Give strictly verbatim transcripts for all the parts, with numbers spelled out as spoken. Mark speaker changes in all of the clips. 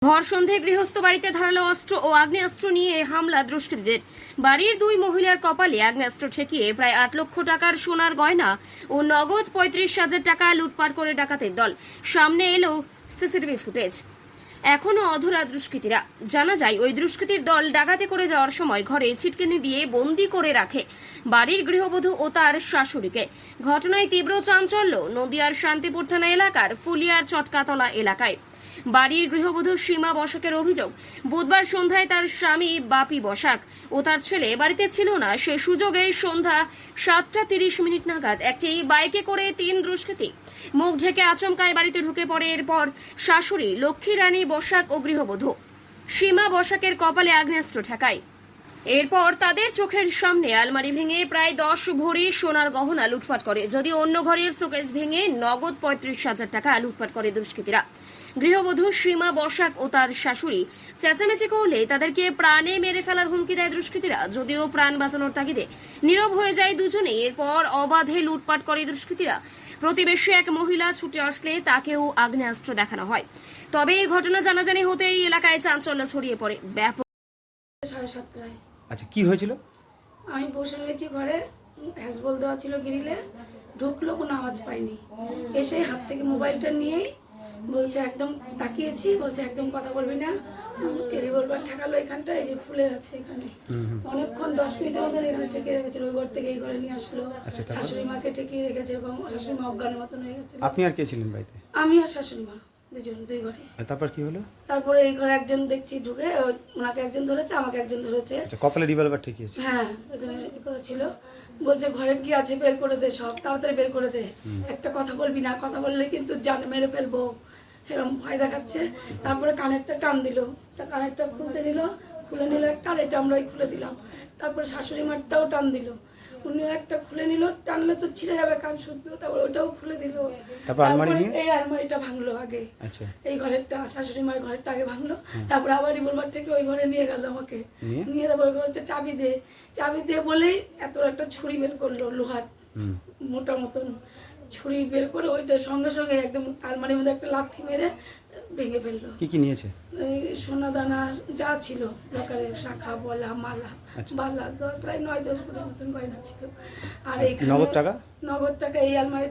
Speaker 1: ভর সন্ধে গৃহস্থ বাড়িতে ধারালো অস্ত্র ও আগ্নেয়াস্ত্র নিয়ে হামলা দুষ্কৃতীদের। বাড়ির দুই মহিলার কপালে আগ্নেয়াস্ত্র ঠেকিয়ে প্রায় আট লক্ষ টাকার সোনার গয়না ও নগদ পঁয়ত্রিশ হাজার টাকা লুটপাট করে ডাকাতের দল। সামনে এলো সিসিটিভি ফুটেজ। এখনো অধরা দুষ্কৃতীরা। জানা যায়, ওই দুষ্কৃতীর দল ডাকাতি করে যাওয়ার সময় ঘরে ছিটকিনি দিয়ে বন্দি করে রাখে বাড়ির গৃহবধূ ও তার শাশুড়িকে। ঘটনায় তীব্র চাঞ্চল্য নদিয়ার শান্তিপুর থানা এলাকার ফুলিয়ার চটকাতলা এলাকায়। বাড়ির গৃহবধূ সীমা বসাকের অভিযোগ, বুধবার সন্ধ্যায় তার স্বামী বাপি বসাক ও তার ছেলে বাড়িতে ছিল না। সে সুযোগে সন্ধ্যা সাতটা তিরিশ মিনিট নাগাদ একটি বাইকে করে তিন দুষ্কৃতী মুখ ঢেকে আচমকায় বাড়িতে ঢুকে পড়ে। এরপর শাশুড়ি লক্ষ্মী রানী বসাক ও গৃহবধূ সীমা বসাকের কপালে আগ্নেয়াস্ত্র ঠেকায়। এরপর তাদের চোখের সামনে আলমারি ভেঙে প্রায় দশ ভরি সোনার গহনা লুটপাট করে। যদিও অন্য ঘরের শোকেস ভেঙে নগদ পঁয়ত্রিশ হাজার টাকা লুটপাট করে দুষ্কৃতীরা। গৃহবধূ সীমা বসাক ও তার শাশুড়ি চেঁচামেচি করলে তাদেরকে প্রাণে মেরে ফেলার হুমকি দেয় দুষ্কৃতীরা। যদিও প্রাণ বাঁচানোর তাগিদে নীরব হয়ে যায় দুজনেই। এরপর অবাধে লুটপাট করে দুষ্কৃতীরা। প্রতিবেশী এক মহিলা ছুটে আসলে তাকেও আগ্নেয়াস্ত্র দেখানো হয়। তবে এই ঘটনা জানাজানি হতেই এলাকায় চাঞ্চল্য ছড়িয়ে পড়ে ব্যাপক।
Speaker 2: সাড়ে সাতটায়
Speaker 3: আচ্ছা, কি হয়েছিল?
Speaker 2: আমি বসে রয়েছি ঘরে, হ্যাসবল দেওয়া ছিল গ্রিলে, ঢুকলো, কোনো আওয়াজ পাইনি। এসে হাত থেকে মোবাইলটা নিয়েই বলছে, একদম তাকিয়েছি, বলছে একদম কথা বলবি না। রিভলভার ঠেকালো এখানটা, এই যে ফুলে আছে এখানে। অনেকক্ষণ দশ মিনিটের মধ্যে এখানে ঠেকে রেখেছিল। ওই ঘর থেকে এই ঘরে নিয়ে আসলো। শাশুড়ি মাকে ঠেকিয়ে রেখেছে এবং শাশুড়ি মা অজ্ঞানের মতন হয়ে গেছে।
Speaker 3: আপনি আর কে ছিলেন বাড়িতে?
Speaker 2: আমি আর শাশুড়ি মা দুজন, দুই ঘরে।
Speaker 3: তারপর কি হলো?
Speaker 2: তারপরে এই ঘরে একজন দেখছি ঢুকে, ওনাকে একজন ধরেছে, আমাকে একজন ধরেছে।
Speaker 3: আচ্ছা, কপালে রিভলভার ঠেকিয়েছে?
Speaker 2: হ্যাঁ, এখানে করেছিল। বলছে ঘরে কি আছে বের করে দে, সব তাড়াতাড়ি বের করে দে, একটা কথা বলবি না, কথা বললে কিন্তু জান মেরে ফেলবো, এরকম ভয় দেখাচ্ছে। তারপরে কানেরটা টান দিল, কানেরটা খুলতে নিল, খুলে নিল একটা, আর এটা আমরাই খুলে দিলাম। তারপরে শাশুড়ি মারটাও টান দিল, উনি একটা খুলে নিল, টানলে তো ছিঁড়ে যাবে কান শুদ্ধ, তারপরে ওটাও খুলে দিল। তারপরে এই আলমারিটা ভাঙলো আগে, এই ঘরেরটা, শাশুড়ি মায়ের ঘরেরটা আগে ভাঙলো। তারপরে আবার রিভলভার থেকে ওই ঘরে নিয়ে গেল আমাকে, নিয়ে তারপরে ওই ঘরে হচ্ছে চাবি দে, চাবি দিয়ে বলেই এত একটা ছুরি বের করলো, লোহার মোটা মতন ছুরি বের করে ওইটা সঙ্গে সঙ্গে একদম আলমারির মধ্যে একটা লাথি মেরে ভেঙে ফেললো।
Speaker 3: কি কি নিয়েছে?
Speaker 2: সোনা দানা যা ছিল, লকারের শাখা, বলা, মালা, বালা, প্রায় নয় দশ কোটির মতন গয়না ছিল। আর এই
Speaker 3: নগদ টাকা,
Speaker 2: নগদ টাকা এই আলমারি।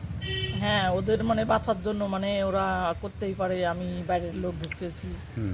Speaker 4: হ্যাঁ, ওদের মানে বাঁচার জন্য মানে ওরা করতেই পারে, আমি বাইরের লোক ঢুকতেছি।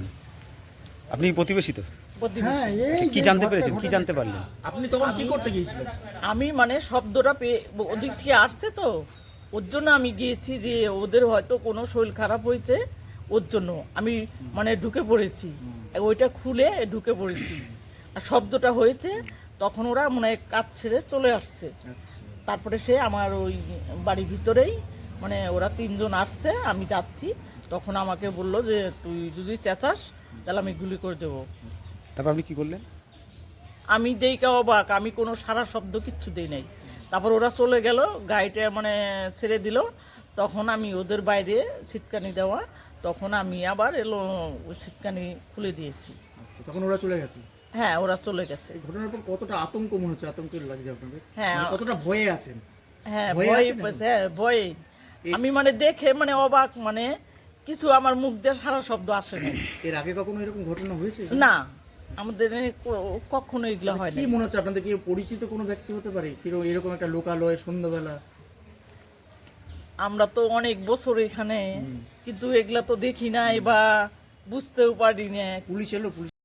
Speaker 3: আপনি প্রতিবেশী তো?
Speaker 4: হ্যাঁ।
Speaker 3: কি জানতে পেরেছেন, কি জানতে পারলেন?
Speaker 5: আপনি তখন কি করতে গিয়েছিলেন?
Speaker 4: আমি মানে শব্দটা পেয়ে ওদিক থেকে আসছে তো, ওর জন্য আমি গিয়েছি যে ওদের হয়তো কোনো শরীর খারাপ হয়েছে, ওর জন্য আমি মানে ঢুকে পড়েছি, ওইটা খুলে ঢুকে পড়েছি। আর শব্দটা হয়েছে তখন ওরা মানে কাজ ছেড়ে চলে আসছে। তারপরে সে আমার ওই বাড়ির ভিতরেই মানে ওরা তিনজন আসছে, আমি যাচ্ছি, তখন আমাকে বললো যে তুই যদি চেঁচাস তাহলে আমি গুলি করে দেবো।
Speaker 3: তারপর আপনি কি করলেন?
Speaker 4: আমি দেই কা অবাক, আমি কোনো সারা শব্দ কিচ্ছু দেই নাই। তারপর ওরা চলে গেল, গাড়িটা মানে ছেড়ে দিল, তখন আমি ওদের বাইরে ছিটকানি দেওয়া, তখন আমি আবার এলো ওই ছিটকানি খুলে দিয়েছি।
Speaker 5: আচ্ছা, তখন ওরা চলে গেছে?
Speaker 4: হ্যাঁ, ওরা চলে গেছে।
Speaker 5: এই ঘটনার পর কতটা আতঙ্ক মনে হচ্ছে, আতঙ্ক লাগছে আপনাদের?
Speaker 4: হ্যাঁ,
Speaker 5: মানে কতটা ভয়ে আছেন?
Speaker 4: হ্যাঁ, ভয়, হ্যাঁ ভয়ে। আমি মানে দেখে মানে অবাক, মানে কিছু আমার মুখ দিয়ে সারা শব্দ আসে না।
Speaker 5: এর আগে কখনো এরকম ঘটনা হয়েছে?
Speaker 4: না, আমাদের কখনো এগুলো হয় না।
Speaker 5: কি মনে হচ্ছে আপনাদের, কি পরিচিত কোনো ব্যক্তি হতে পারে কিরকম এরকম একটা লোকালয়ে সন্ধ্যাবেলা?
Speaker 4: আমরা তো অনেক বছর এখানে, কিন্তু এগুলা তো দেখি নাই বা বুঝতেও পারি না।
Speaker 5: পুলিশ এলো? পুলিশ